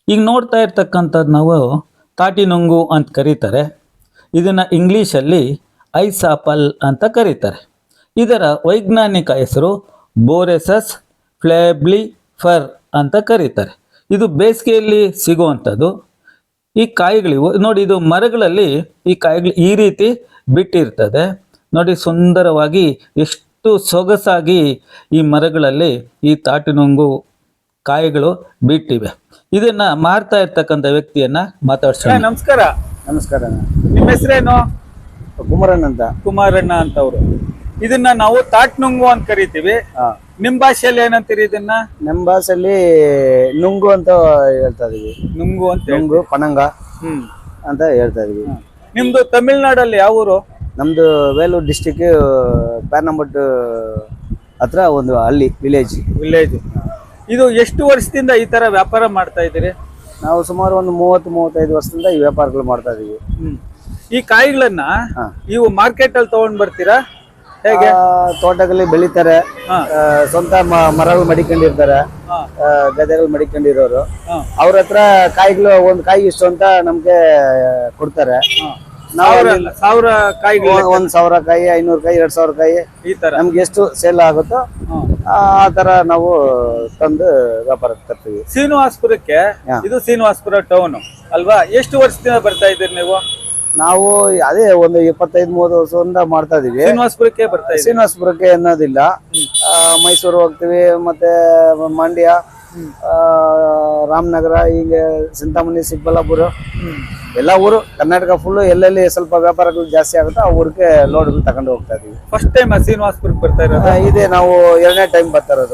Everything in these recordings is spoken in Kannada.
ಈಗ ನೋಡ್ತಾ ಇರ್ತಕ್ಕಂಥದ್ದು ನಾವು ತಾಟಿ ನುಂಗು ಅಂತ ಕರೀತಾರೆ. ಇದನ್ನು ಇಂಗ್ಲೀಷಲ್ಲಿ ಐಸ್ ಆಪಲ್ ಅಂತ ಕರೀತಾರೆ. ಇದರ ವೈಜ್ಞಾನಿಕ ಹೆಸರು ಬೋರೆಸಸ್ ಫ್ಲೇಬ್ಲಿಫರ್ ಅಂತ ಕರೀತಾರೆ. ಇದು ಬೇಸಿಗೆಯಲ್ಲಿ ಸಿಗುವಂಥದ್ದು. ಈ ಕಾಯಿಗಳಿವು ನೋಡಿ, ಇದು ಮರಗಳಲ್ಲಿ ಈ ಕಾಯಿಗಳು ಈ ರೀತಿ ಬಿಟ್ಟಿರ್ತದೆ ನೋಡಿ, ಸುಂದರವಾಗಿ ಎಷ್ಟು ಸೊಗಸಾಗಿ ಈ ಮರಗಳಲ್ಲಿ ಈ ತಾಟಿನುಂಗು ಕಾಯಿಗಳು ಬಿಟ್ಟಿವೆ. ಇದನ್ನ ಮಾರ್ತಾ ಇರ್ತಕ್ಕಂಥ ವ್ಯಕ್ತಿಯನ್ನ ಮಾತಾಡ್ಸೋಣ. ನಮಸ್ಕಾರ. ನಮಸ್ಕಾರ. ನಿಮ್ಮ ಹೆಸರೇನು? ಕುಮಾರಣ್ಣ ಅಂತ. ಕುಮಾರಣ್ಣ ಅಂತ ಅವರು. ಇದನ್ನ ನಾವು ತಾಟ್ನುಂಗು ಅಂತ ಕರಿತೀವಿ. ನಿಮ್ ಭಾಷೆಯಲ್ಲಿ ಏನಂತೀರಿ ಇದನ್ನ? ನಮ್ಮ ಭಾಷೆಯಲ್ಲಿ ನುಂಗು ಅಂತ ಹೇಳ್ತಾ ಇದೀವಿ. ನುಂಗು ಅಂತ. ನುಂಗು ಪನಂಗ ಅಂತ ಹೇಳ್ತಾ ಇದೀವಿ. ನಿಮ್ದು ತಮಿಳ್ನಾಡಲ್ಲಿ ಯಾವ ಊರು? ನಮ್ದು ವೇಲೂರು ಡಿಸ್ಟಿಕ್ ಪ್ಯಾನಂಬಟ್ಟು ಹತ್ರ ಒಂದು ಹಳ್ಳಿ, ವಿಲೇಜ್. ಇದು ಎಷ್ಟು ವರ್ಷದಿಂದ ಈ ತರ ವ್ಯಾಪಾರ ಮಾಡ್ತಾ ಇದ್ದೀರಿ? ನಾವು ಸುಮಾರು ಒಂದು 30-35 ವರ್ಷದಿಂದ ಈ ವ್ಯಾಪಾರಗಳು ಮಾಡ್ತಾ ಇದೀವಿ. ಈ ಕಾಯಿಗಳನ್ನ ನೀವು ಮಾರ್ಕೆಟ್ ಅಲ್ಲಿ ತಗೊಂಡ್ ಬರ್ತೀರಾ ಹೇಗೆ? ತೋಟದಲ್ಲಿ ಬೆಳಿತಾರೆ, ಸ್ವಂತ ಮರಗಳು ಮಡಿಕೊಂಡಿರ್ತಾರೆ, ಗದ್ದೆಗಳು ಮಡಿಕೊಂಡಿರೋರು. ಅವ್ರ ಹತ್ರ ಕಾಯಿಗಳು ಒಂದು ಕಾಯಿ ಇಷ್ಟು ಅಂತ ನಮ್ಗೆ ಕೊಡ್ತಾರೆ. ನಾವು 1000 ಕಾಯಿಗಳು, 1000 ಕಾಯಿ, 500 ಕಾಯಿ, 2000 ಕಾಯಿ, ಈ ತರ ನಮ್ಗೆ ಎಷ್ಟು ಸೇಲ್ ಆಗುತ್ತೋ ಆ ತರ ನಾವು ತಂದು ವ್ಯಾಪಾರಕ್ಕೆ ತರ್ತೀವಿ. ಶ್ರೀನಿವಾಸಪುರಕ್ಕೆ, ಇದು ಶ್ರೀನಿವಾಸಪುರ ಟೌನ್ ಅಲ್ವಾ? ಎಷ್ಟು ವರ್ಷದಿಂದ ಬರ್ತಾ ಇದ್ದೀರಿ ನೀವು? ನಾವು ಅದೇ ಒಂದು 25-30 ವರ್ಷದಿಂದ ಮಾಡ್ತಾ ಇದೀವಿ. ಶ್ರೀನಿವಾಸಪುರಕ್ಕೆ ಬರ್ತಾ ಇದ್ದೀವಿ. ಶ್ರೀನಿವಾಸಪುರಕ್ಕೆ ಅನ್ನೋದಿಲ್ಲ, ಮೈಸೂರು ಹೋಗ್ತೀವಿ, ಮತ್ತೆ ಮಂಡ್ಯ, ರಾಮನಗರ, ಹೀಗೆ ಚಿಂತಾಮಣಿ, ಚಿಕ್ಕಬಳ್ಳಾಪುರ, ಎಲ್ಲ ಊರು ಕರ್ನಾಟಕ ಫುಲ್ ಎಲ್ಲೆಲ್ಲಿ ಸ್ವಲ್ಪ ವ್ಯಾಪಾರಗಳು ಜಾಸ್ತಿ ಆಗುತ್ತೋ ಆ ಊರಿಗೆ ಲೋಡ್ಗಳು ತಗೊಂಡು ಹೋಗ್ತಾ ಇದೀವಿ. ಫಸ್ಟ್ ಟೈಮ್ ಶ್ರೀನಿವಾಸಪುರಕ್ಕೆ ಬರ್ತಾ ಇರೋದು? ಇದೇ ನಾವು 2ನೇ ಟೈಮ್ ಬರ್ತಾ ಇರೋದು.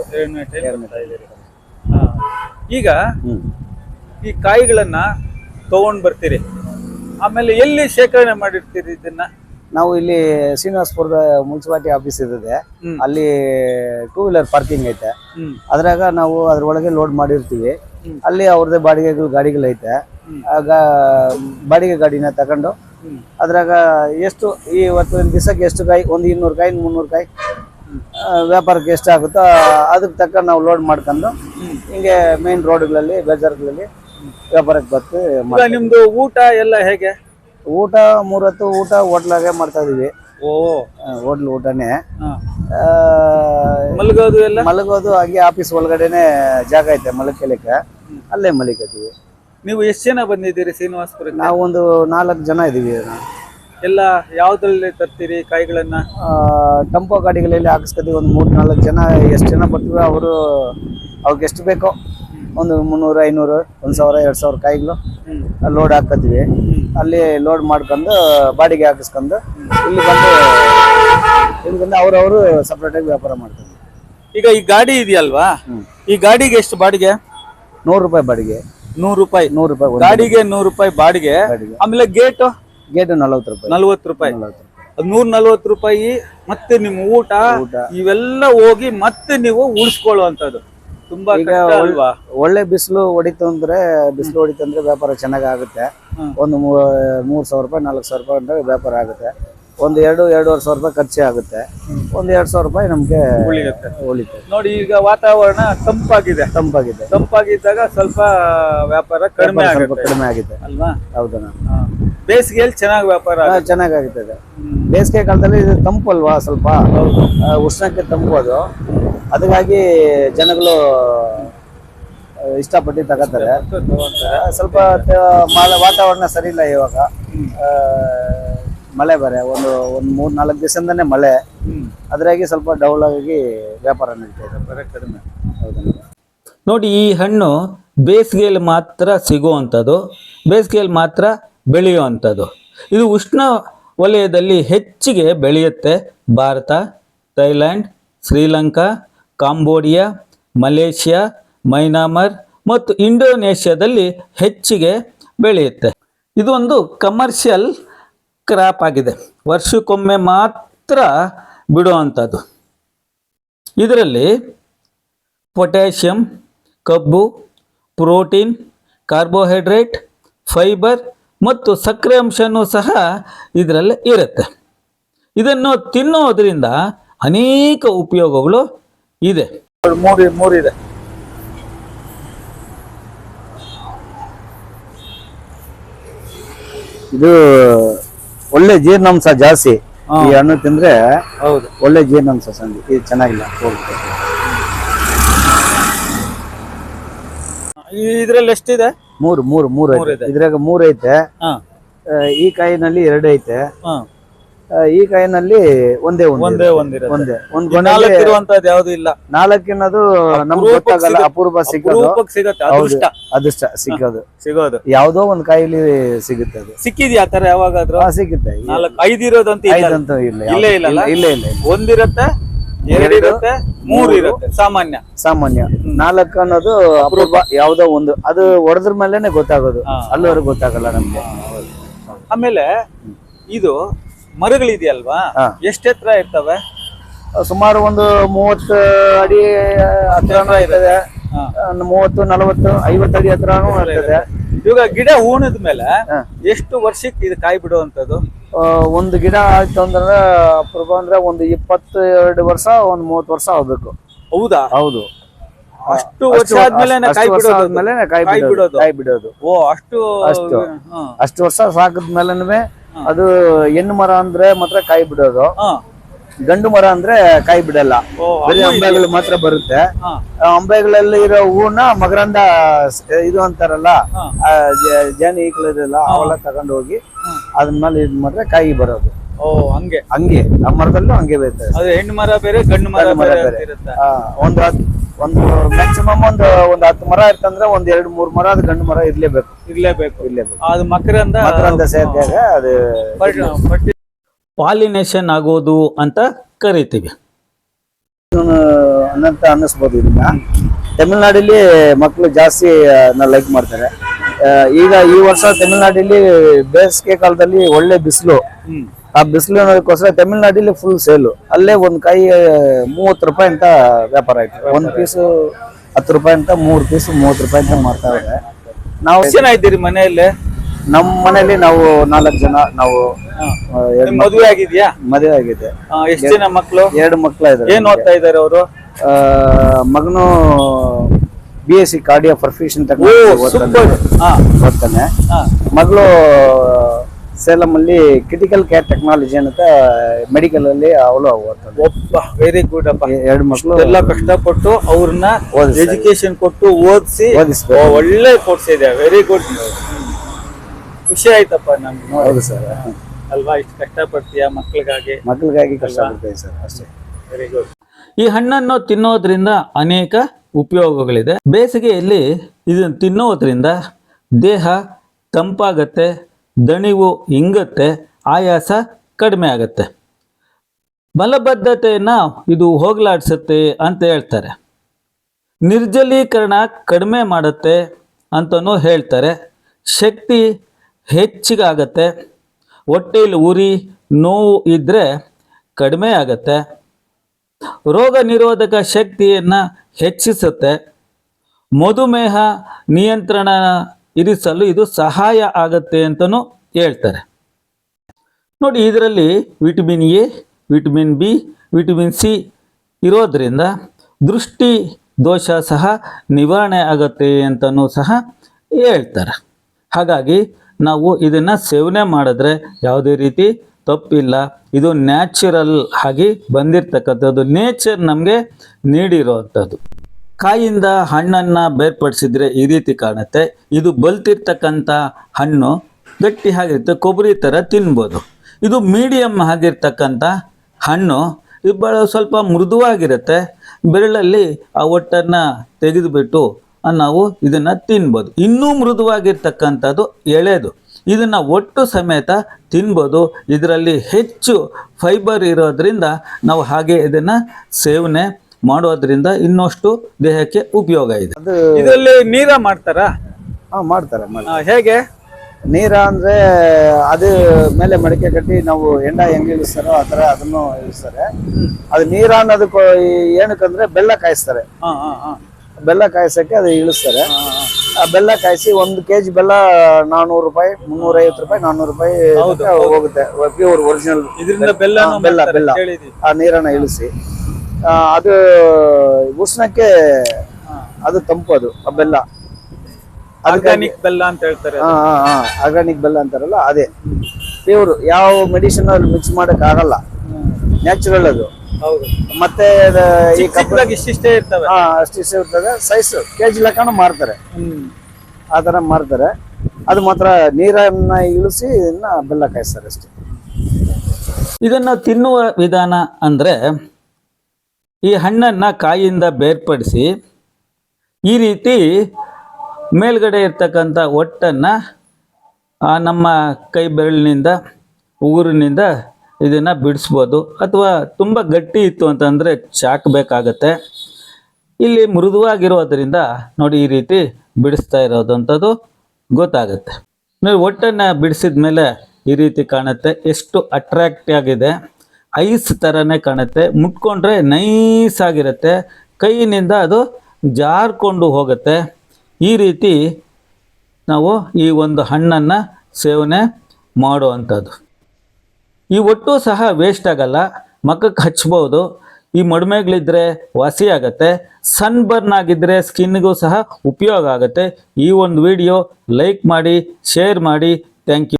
ಈಗ ಈ ಕಾಯಿಗಳನ್ನ ತಗೊಂಡ್ ಬರ್ತೀರಿ, ಆಮೇಲೆ ಎಲ್ಲಿ ಶೇಖರಣೆ ಮಾಡಿರ್ತೀರಿ ಇದನ್ನ? ನಾವು ಇಲ್ಲಿ ಶ್ರೀನಿವಾಸಪುರದ ಮುನ್ಸಿಪಾಲಿಟಿ ಆಫೀಸ್ ಇದೆ, ಅಲ್ಲಿ 2 ವೀಲರ್ ಪಾರ್ಕಿಂಗ್ ಐತೆ. ಅದ್ರಾಗ ನಾವು ಅದ್ರೊಳಗೆ ಲೋಡ್ ಮಾಡಿರ್ತೀವಿ. ಅಲ್ಲಿ ಅವ್ರದ್ದೇ ಗಾಡಿಗಳೈತೆ. ಆಗ ಬಾಡಿಗೆ ಗಾಡಿನ ತಗೊಂಡು ಅದ್ರಾಗ ಎಷ್ಟು ಇವತ್ತು ದಿವಸಕ್ಕೆ ಎಷ್ಟು ಕಾಯಿ, ಒಂದು 200 ಕಾಯಿ, 300 ಕಾಯಿ ವ್ಯಾಪಾರಕ್ಕೆ ಎಷ್ಟು ಆಗುತ್ತೋ ಅದಕ್ಕೆ ತಕ್ಕ ನಾವು ಲೋಡ್ ಮಾಡ್ಕೊಂಡು ಹಿಂಗೆ ಮೇನ್ ರೋಡ್ಗಳಲ್ಲಿ, ಬಜಾರ್ಗಳಲ್ಲಿ ವ್ಯಾಪಾರಕ್ಕೆ ಬರ್ತೀವಿ. ನಿಮ್ದು ಊಟ ಎಲ್ಲ ಹೇಗೆ? ಊಟ 3 ಹೊತ್ತು ಊಟ ಹೋಟ್ಲಾಗೆ ಮಾಡ್ತಾ ಇದೀವಿ. ಹೋಟ್ಲ್ ಊಟನೇ. ಮಲಗೋದು ಎಲ್ಲ? ಮಲಗೋದು ಹಾಗೆ ಆಫೀಸ್ ಒಳಗಡೆನೆ ಜಾಗ ಐತೆ ಮಲಕಲಿಕ್ಕೆ, ಅಲ್ಲೇ ಮಲಿಕತ್ತೀವಿ. ನೀವು ಎಷ್ಟು ಜನ ಬಂದಿದ್ದೀರಿ ಶ್ರೀನಿವಾಸಪುರಕ್ಕೆ? ನಾವು ಒಂದು 4 ಜನ ಇದೀವಿ. ಎಲ್ಲ ಯಾವ್ದ್ರಲ್ಲಿ ತರ್ತೀರಿ ಕಾಯಿಗಳನ್ನ? ಟೆಂಪೋ ಗಾಡಿಗಳಲ್ಲಿ ಹಾಕಿಸ್ಕೊತೀವಿ. ಒಂದು 3-4 ಜನ, ಎಷ್ಟು ಜನ ಬರ್ತೀವಿ ಅವರು ಅವ್ರಿಗೆ ಎಷ್ಟು ಬೇಕೋ ಒಂದು 300, 500, 1000, 2000 ಕಾಯಿಗಳು ಲೋಡ್ ಹಾಕತ್ತೀವಿ. ಅಲ್ಲಿ ಲೋಡ್ ಮಾಡ್ಕೊಂಡು ಬಾಡಿಗೆ ಹಾಕಿಸ್ಕೊಂಡು ಇಲ್ಲಿ ಬಂದು ಅವ್ರವರು ಸಪ್ರೇಟ್ ಆಗಿ ವ್ಯಾಪಾರ ಮಾಡ್ತಾರೆ. ಈಗ ಈ ಗಾಡಿ ಇದೆಯಲ್ವಾ, ಈ ಗಾಡಿಗೆ ಎಷ್ಟು ಬಾಡಿಗೆ? 100 ರೂಪಾಯಿ ಬಾಡಿಗೆ. 100 ರೂಪಾಯಿ? 100 ರೂಪಾಯಿ ಗಾಡಿಗೆ 100 ರೂಪಾಯಿ ಬಾಡಿಗೆ. ಆಮೇಲೆ ಗೇಟ್ 40 ರೂಪಾಯಿ. 40 ರೂಪಾಯಿ. 140 ರೂಪಾಯಿ. ಮತ್ತೆ ನಿಮ್ಮ ಊಟ ಇವೆಲ್ಲ ಹೋಗಿ ಮತ್ತೆ ನೀವು ಉಳಿಸ್ಕೊಳ್ಳುವಂತದ್ದು ತುಂಬಾ ಕಷ್ಟ ಅಲ್ವಾ? ಒಳ್ಳೆ ಬಿಸಿಲು ಹೊಡಿತು ಅಂದ್ರೆ ವ್ಯಾಪಾರ ಚೆನ್ನಾಗಿ ಆಗುತ್ತೆ. ಒಂದು 3000 ರೂಪಾಯಿ, 4000 ರೂಪಾಯಿ ಅಂದ್ರೆ ವ್ಯಾಪಾರ ಆಗುತ್ತೆ. ಒಂದು 2-2.5 ಸಾವಿರ ರೂಪಾಯಿ ಖರ್ಚೆ ಆಗುತ್ತೆ. ಒಂದು 2000 ರೂಪಾಯಿ ನಮ್ಗೆ ಉಳಿತೆ. ನೋಡಿ, ಈಗ ವಾತಾವರಣ ತಂಪಾಗಿದ್ದಾಗ ಸ್ವಲ್ಪ ವ್ಯಾಪಾರ ಕಡಿಮೆ ಆಗಿದೆ ಅಲ್ವಾ? ಹೌದಾ? ಬೇಸಿಗೆಯಲ್ಲಿ ಚೆನ್ನಾಗಿ ವ್ಯಾಪಾರ ಚೆನ್ನಾಗಾಗುತ್ತದೆ. ಬೇಸಿಗೆ ಕಾಲದಲ್ಲಿ ಇದು ತಂಪು ಅಲ್ವಾ, ಸ್ವಲ್ಪ ಉಷ್ಣಕ್ಕೆ ತಂಪು ಅದು. ಅದಕ್ಕಾಗಿ ಜನಗಳು ಇಷ್ಟಪಟ್ಟು ತಗೋತಾರೆ. ಸ್ವಲ್ಪ ವಾತಾವರಣ ಸರಿ ಇಲ್ಲ ಇವಾಗ, ಮಳೆ ಬೇರೆ ಒಂದು 3-4 ದಿವಸದಿಂದನೇ ಮಳೆ. ಅದ್ರಾಗಿ ಸ್ವಲ್ಪ ಡೌನ್ ಆಗಿ ವ್ಯಾಪಾರ ನಡೀತಾ ಇದೆ, ಕಡಿಮೆ. ನೋಡಿ, ಈ ಹಣ್ಣು ಬೇಸಿಗೆಯಲ್ಲಿ ಮಾತ್ರ ಸಿಗುವಂಥದ್ದು, ಬೇಸಿಗೆಯಲ್ಲಿ ಮಾತ್ರ ಬೆಳೆಯುವಂಥದ್ದು. ಇದು ಉಷ್ಣ ವಲಯದಲ್ಲಿ ಹೆಚ್ಚಿಗೆ ಬೆಳೆಯುತ್ತೆ. Bharat, Thailand, Sri Lanka, Cambodia, Malaysia, Myanmar ಮತ್ತು ಇಂಡೋನೇಷ್ಯಾದಲ್ಲಿ ಹೆಚ್ಚಿಗೆ ಬೆಳೆಯುತ್ತೆ. ಇದು ಒಂದು ಕಮರ್ಷಿಯಲ್ ಕ್ರಾಪ್ ಆಗಿದೆ, ವರ್ಷಕ್ಕೊಮ್ಮೆ ಮಾತ್ರ ಬಿಡುವಂಥದ್ದು. ಇದರಲ್ಲಿ ಪೊಟ್ಯಾಷಿಯಂ, ಕಬ್ಬು, ಪ್ರೋಟೀನ್, ಕಾರ್ಬೋಹೈಡ್ರೇಟ್, ಫೈಬರ್ ಮತ್ತು ಸಕ್ಕರೆ ಅಂಶನೂ ಸಹ ಇದರಲ್ಲಿ ಇರುತ್ತೆ. ಇದನ್ನು ತಿನ್ನೋದ್ರಿಂದ ಅನೇಕ ಉಪಯೋಗಗಳು ಇದೆ. ಮೂರಿದೆ. ಇದು ಒಳ್ಳೆ ಜೀರ್ಣಾಂಶ ಜಾಸ್ತಿ. ಈ ಹಣ್ಣು ತಿಂದ್ರೆ ಹೌದು, ಒಳ್ಳೆ ಜೀರ್ಣಾಂಶ ಸಂಧಿ. ಇದು ಚೆನ್ನಾಗಿಲ್ಲ. ಇದ್ರಲ್ಲಿ ಎಷ್ಟಿದೆ? ಮೂರು ಮೂರು ಮೂರು ಐತೆ. ಇದ್ರಾಗ 3 ಐತೆ. ಈ ಕಾಯಿನಲ್ಲಿ 2 ಐತೆ. ಈ ಕಾಯಿನಲ್ಲಿ ಒಂದೇ ಒಂದೇ ಒಂದೇ ಒಂದ್ ಇರುವಂತದ್ದು ಯಾವ್ದು ಇಲ್ಲ. 4 ಅನ್ನೋದು ನಮ್ಗೆ ಗೊತ್ತಾಗಲ್ಲ, ಅಪೂರ್ವ ಸಿಗೋದು. ಸಿಗುತ್ತೆ, ಅದೃಷ್ಟ ಸಿಗೋದು ಯಾವ್ದೋ ಒಂದ್ ಕಾಯಿಲಿ ಸಿಗುತ್ತೆ. ಅದು ಸಿಕ್ಕಿದ್ಯಾ ಆತರ ಯಾವಾಗಾದ್ರೂ? ಸಿಗುತ್ತೆ. 5 ಇರೋದಂತ ಇಲ್ಲ. ಇಲ್ಲೇ ಇಲ್ಲ. ಒಂದಿರತ್ತೆ, 2 ಇರುತ್ತೆ, 3 ಇರುತ್ತೆ ಸಾಮಾನ್ಯ. 4 ಅನ್ನೋದು ಅಪೂರ್ವ, ಯಾವ್ದೋ ಒಂದು. ಅದು ಹೊಡೆದ್ರ ಮೇಲೆನೆ ಗೊತ್ತಾಗೋದು, ಅಲ್ಲಿವರೆಗೂ ಗೊತ್ತಾಗಲ್ಲ ನಮ್ಗೆ. ಆಮೇಲೆ ಇದು ಮರಗಳಿದೆಯಲ್ವಾ, ಎಷ್ಟು ಎತ್ತರ ಇರ್ತವೆ? ಸುಮಾರು ಒಂದು 30 ಅಡಿ ಹತ್ರನೂ ಇರ್ತದೆ, 30, 40, 50 ಅಡಿ ಹತ್ರನೂ ಇರ್ತದೆ. ಇವಾಗ ಗಿಡ ಹೂಣದ ಮೇಲೆ ಎಷ್ಟು ವರ್ಷಕ್ಕೆ ಇದು ಕಾಯಿ ಬಿಡುವಂತದ್ದು? ಒಂದು ಗಿಡ ಆಯ್ತು ಅಂದ್ರೆ ಅಪೂರ್ವ ಅಂದ್ರೆ ಒಂದು 22 ವರ್ಷ, ಒಂದು 30 ವರ್ಷ ಆಗ್ಬೇಕು. ಹೌದಾ? ಹೌದು. ಅಷ್ಟು ವರ್ಷ ಆದ್ಮೇಲೆ ಕಾಯಿ ಬಿಡೋದು. ಓ, ಅಷ್ಟು ವರ್ಷ ಸಾಕದ್ಮೇಲೆ ಅದು ಹೆಣ್ಣು ಮರ ಅಂದ್ರೆ ಮಾತ್ರ ಕಾಯಿ ಬಿಡೋದು. ಗಂಡು ಮರ ಅಂದ್ರೆ ಕಾಯಿ ಬಿಡಲ್ಲ, ಬರೀ ಅಂಬೆಗಳು ಮಾತ್ರ ಬರುತ್ತೆ. ಅಂಬೆಗಳಲ್ಲಿ ಇರೋ ಹೂನ ಮಕರಂದ ಇದು ಅಂತಾರಲ್ಲ, ಜೇನು ಈಕಳಿರಲ್ಲ, ಅವೆಲ್ಲ ತಗೊಂಡು ಹೋಗಿ ಅದ್ಮೇಲೆ ಇದ್ ಮಾಡಿದ್ರೆ ಕಾಯಿ ಬರೋದು. ಓ, ಹಂಗೆ ಆ ಮರದಲ್ಲೂ ಹಂಗೆ ಬರ್ತದೆ. ಅದು ಹೆಣ್ಣು ಮರ ಬೇರೆ, ಗಂಡು ಮರ ಬೇರೆ. ಒಂದು ಮ್ಯಾಕ್ಸಿಮಮ್ ಒಂದು 10 ಮರ ಇರ್ತಂದ್ರೆ ಒಂದ್ 2-3 ಮರ ಅದು ಗಂಡು ಮರ ಇರ್ಲೇಬೇಕು. ಅದು ಮಕರಂದ ಸೇರಿದಾಗ ಅದು ಪಾಲಿನೇಷನ್ ಆಗೋದು ಅಂತ ಕರಿತೀವಿ ಅಂತ ಅನ್ನಿಸ್ಬೋದು. ಇದನ್ನ ತಮಿಳ್ನಾಡಲ್ಲಿ ಮಕ್ಕಳು ಜಾಸ್ತಿ ಲೈಕ್ ಮಾಡ್ತಾರೆ. ಈಗ ಈ ವರ್ಷ ತಮಿಳ್ನಾಡಲ್ಲಿ ಬೇಸಿಗೆ ಕಾಲದಲ್ಲಿ ಒಳ್ಳೆ ಬಿಸಿಲು. ಆ ಬಿಸಿಲು ಅನ್ನೋದಕ್ಕೋಸ್ಕರ ತಮಿಳ್ನಾಡಲ್ಲಿ ಫುಲ್ ಸೇಲು. ಅಲ್ಲೇ ಒಂದ್ ಕಾಯಿ 30 ರೂಪಾಯಿ ಅಂತ ವ್ಯಾಪಾರ ಆಯ್ತು. ಒಂದ್ ಪೀಸು 10 ರೂಪಾಯಿ ಅಂತ, 3 ಪೀಸು 30 ರೂಪಾಯಿ ಅಂತ ಮಾಡ್ತಾ ಇದ್ದಾರೆ. ನಾವು ಎಷ್ಟು ಜನ ಇದ್ದೀರಿ ಮನೆಯಲ್ಲಿ? ನಮ್ಮ ಮನೆಯಲ್ಲಿ ನಾವು 4 ಜನ. ನಾವು ಮದುವೆ ಆಗಿದ್ಯಾ? ಮದುವೆ ಆಗಿದೆ. ಎಷ್ಟು ಜನ ಮಕ್ಕಳು? 2 ಮಕ್ಕಳು ಇದ್ದಾರೆ. ಏನ್ ಓದ್ತಾ ಇದಾರೆ ಅವರು? ಮಗನು BSc ಕಾರ್ಡಿಯೋ ಪರ್ಫ್ಯೂಷನ್ ಓದ್ತಾನೆ. ಮಗಳು ಸೇಲಂ ಅಲ್ಲಿ ಕ್ರಿಟಿಕಲ್ ಕೇರ್ ಟೆಕ್ನಾಲಜಿ ಅಂತ ಮೆಡಿಕಲ್ ಅಲ್ಲಿ ಅವಳು ಓದ್ತಾಳೆ. ವೆರಿ ಗುಡ್ ಅಪ್ಪ. 2 ಮಕ್ಕಳು ಎಲ್ಲ ಕಷ್ಟಪಟ್ಟು ಅವ್ರನ್ನ ಎಜುಕೇಶನ್ ಕೊಟ್ಟು ಓದಿಸಿ ಒಳ್ಳೆ ಕೊಡ್ಸಿದೆ. ವೆರಿ ಗುಡ್, ಖುಷಿ ಆಯ್ತಪ್ಪ ನಮ್ಗೆ. ಹೌದು ಸರ್, ಅಲ್ವಾ? ಇಷ್ಟು ಕಷ್ಟಪಡ್ತೀಯ ಮಕ್ಕಳಿಗಾಗಿ ಕಷ್ಟಪಡ್ತೀವಿ ಸರ್, ಅಷ್ಟೇ. Very good. ಈ ಹಣ್ಣನ್ನು ತಿನ್ನೋದ್ರಿಂದ ಅನೇಕ ಉಪಯೋಗಗಳಿದೆ. ಬೇಸಿಗೆಯಲ್ಲಿ ಇದನ್ನು ತಿನ್ನೋದ್ರಿಂದ ದೇಹ ತಂಪಾಗತ್ತೆ, ದಣಿವು ಇಂಗತ್ತೆ, ಆಯಾಸ ಕಡಿಮೆ ಆಗತ್ತೆ, ಮಲಬದ್ಧತೆಯನ್ನು ಇದು ಹೋಗಲಾಡಿಸುತ್ತೆ ಅಂತ ಹೇಳ್ತಾರೆ. ನಿರ್ಜಲೀಕರಣ ಕಡಿಮೆ ಮಾಡುತ್ತೆ ಅಂತಲೂ ಹೇಳ್ತಾರೆ. ಶಕ್ತಿ ಹೆಚ್ಚಿಗಾಗತ್ತೆ, ಹೊಟ್ಟೆಯಲ್ಲಿ ಉರಿ ನೋವು ಇದ್ದರೆ ಕಡಿಮೆ ಆಗತ್ತೆ, ರೋಗ ನಿರೋಧಕ ಶಕ್ತಿಯನ್ನು ಹೆಚ್ಚಿಸುತ್ತೆ, ಮಧುಮೇಹ ನಿಯಂತ್ರಣ ಇರಿಸಲು ಇದು ಸಹಾಯ ಆಗುತ್ತೆ ಅಂತಲೂ ಹೇಳ್ತಾರೆ. ನೋಡಿ, ಇದರಲ್ಲಿ vitamin A, vitamin B, vitamin C ಇರೋದ್ರಿಂದ ದೃಷ್ಟಿ ದೋಷ ಸಹ ನಿವಾರಣೆ ಆಗುತ್ತೆ ಅಂತಲೂ ಸಹ ಹೇಳ್ತಾರೆ. ಹಾಗಾಗಿ ನಾವು ಇದನ್ನು ಸೇವನೆ ಮಾಡಿದ್ರೆ ಯಾವುದೇ ರೀತಿ ತಪ್ಪಿಲ್ಲ. ಇದು ನ್ಯಾಚುರಲ್ ಆಗಿ ಬಂದಿರತಕ್ಕಂಥದ್ದು, ನೇಚರ್ ನಮಗೆ ನೀಡಿರೋವಂಥದ್ದು. ಕಾಯಿಂದ ಹಣ್ಣನ್ನು ಬೇರ್ಪಡಿಸಿದ್ರೆ ಈ ರೀತಿ ಕಾಣುತ್ತೆ. ಇದು ಬಲ್ತಿರ್ತಕ್ಕಂಥ ಹಣ್ಣು ಗಟ್ಟಿ ಆಗಿರುತ್ತೆ, ಕೊಬ್ಬರಿ ಥರ ತಿನ್ಬೋದು. ಇದು ಮೀಡಿಯಮ್ ಆಗಿರ್ತಕ್ಕಂಥ ಹಣ್ಣು, ಇದು ಭಾಳ ಸ್ವಲ್ಪ ಮೃದುವಾಗಿರುತ್ತೆ. ಬೆರಳಲ್ಲಿ ಆ ಒಟ್ಟನ್ನು ತೆಗೆದುಬಿಟ್ಟು ನಾವು ಇದನ್ನು ತಿನ್ಬೋದು. ಇನ್ನೂ ಮೃದುವಾಗಿರ್ತಕ್ಕಂಥದ್ದು ಎಳೆದು, ಇದನ್ನು ಒಟ್ಟು ಸಮೇತ ತಿನ್ಬೋದು. ಇದರಲ್ಲಿ ಹೆಚ್ಚು ಫೈಬರ್ ಇರೋದ್ರಿಂದ ನಾವು ಹಾಗೆ ಇದನ್ನು ಸೇವನೆ ಮಾಡೋದ್ರಿಂದ ಇನ್ನಷ್ಟು ದೇಹಕ್ಕೆ ಉಪಯೋಗ ಇದೆ. ಇದರಲ್ಲಿ ನೀರ ಮಾಡ್ತಾರಾ? ಮಾಡ್ತಾರೆ. ಹೇಗೆ ನೀರ ಅಂದ್ರೆ ಅದು ಮೇಲೆ ಮಡಿಕೆ ಕಟ್ಟಿ ನಾವು ಹೆಂಡ ಹೆಂಗೆ ಇಳಿಸ್ತಾರೋ ಆ ಥರ ಅದನ್ನು ಇಳಿಸ್ತಾರೆ. ಅದು ನೀರ ಅನ್ನೋದಕ್ಕೆ ಏನಕ್ಕಂದ್ರೆ ಬೆಲ್ಲ ಕಾಯಿಸ್ತಾರೆ. ಬೆಲ್ಲ ಕಾಯಿಸಕ್ಕೆ ಅದು ಇಳಿಸ್ತಾರೆ. ಆ ಬೆಲ್ಲ ಕಾಯಿಸಿ 1 kg ಬೆಲ್ಲ 400 ರೂಪಾಯಿ, 350 ರೂಪಾಯಿ, 400 ರೂಪಾಯಿ ಹೋಗುತ್ತೆ. ಪ್ಯೂರ್ ಒರಿಜಿನಲ್ ಇದರಿಂದ ಬೆಲ್ಲ ಆ ನೀರನ್ನ ಇಳಿಸಿ ಅದು ಉಷ್ಣಕ್ಕೆ ಅದು ತಂಪು. ಅದು ಆ ಬೆಲ್ಲ ಆರ್ಗಾನಿಕ್ ಬೆಲ್ಲ ಅಂತ ಹೇಳ್ತಾರೆ. ಆರ್ಗಾನಿಕ್ ಬೆಲ್ಲ ಅಂತಾರಲ್ಲ ಅದೇ ಪ್ಯೂರ್, ಯಾವ ಮೆಡಿಸಿನ್ ಅಲ್ಲಿ ಮಿಕ್ಸ್ ಮಾಡಕ್ ಆಗಲ್ಲ, ನ್ಯಾಚುರಲ್ ಅದು. ಹೌದು. ಮತ್ತೆ ಈ ಚಿಕ್ಕದಾಗಿ ಇಷ್ಟಿಷ್ಟೇ ಇರ್ತವೆ. ಅಷ್ಟಿಷ್ಟೇ ಇರ್ತದೆ, ಸೈಜ್ ಕೆಜಿ ಲೆಕ್ಕನ ಮಾರ್ತಾರೆ, ಆ ತರ ಮಾರ್ತಾರೆ. ಅದು ಮಾತ್ರ ನೀರನ್ನ ಇಳಿಸಿ ಇದನ್ನ ಬೆಲ್ಲ ಕಾಯಿಸ್ತಾರೆ ಅಷ್ಟೇ. ಇದನ್ನು ತಿನ್ನುವ ವಿಧಾನ ಅಂದರೆ, ಈ ಹಣ್ಣನ್ನು ಕಾಯಿಯಿಂದ ಬೇರ್ಪಡಿಸಿ ಈ ರೀತಿ ಮೇಲ್ಗಡೆ ಇರ್ತಕ್ಕಂಥ ಒಟ್ಟನ್ನು ನಮ್ಮ ಕೈ ಬೆರಳಿನಿಂದ ಉಗುರಿನಿಂದ ಇದನ್ನು ಬಿಡಿಸ್ಬೋದು. ಅಥವಾ ತುಂಬ ಗಟ್ಟಿ ಇತ್ತು ಅಂತಂದರೆ ಚಾಕಬೇಕಾಗತ್ತೆ. ಇಲ್ಲಿ ಮೃದುವಾಗಿರೋದ್ರಿಂದ ನೋಡಿ ಈ ರೀತಿ ಬಿಡಿಸ್ತಾ ಇರೋದಂಥದ್ದು ಗೊತ್ತಾಗುತ್ತೆ. ನೀವು ಒಟ್ಟನ್ನು ಬಿಡಿಸಿದ ಮೇಲೆ ಈ ರೀತಿ ಕಾಣುತ್ತೆ, ಎಷ್ಟು ಅಟ್ರಾಕ್ಟ್ ಆಗಿದೆ, ಐಸ್ ಥರನೇ ಕಾಣುತ್ತೆ. ಮುಟ್ಕೊಂಡ್ರೆ ನೈಸ್ ಆಗಿರುತ್ತೆ, ಕೈಯಿನಿಂದ ಅದು ಜಾರ್ಕೊಂಡು ಹೋಗುತ್ತೆ. ಈ ರೀತಿ ನಾವು ಈ ಒಂದು ಹಣ್ಣನ್ನು ಸೇವನೆ ಮಾಡುವಂಥದ್ದು. ಈ ಒಟ್ಟು ಸಹ ವೇಸ್ಟ್ ಆಗಲ್ಲ, ಮಖಕ್ಕೆ ಹಚ್ಬೋದು. ಈ ಮಡಿಮೆಗಳಿದ್ರೆ ವಾಸಿ ಆಗುತ್ತೆ, ಸನ್ ಬರ್ನ್ ಆಗಿದ್ದರೆ ಸ್ಕಿನ್ಗೂ ಸಹ ಉಪಯೋಗ ಆಗುತ್ತೆ. ಈ ಒಂದು ವಿಡಿಯೋ ಲೈಕ್ ಮಾಡಿ, ಶೇರ್ ಮಾಡಿ. Thank you.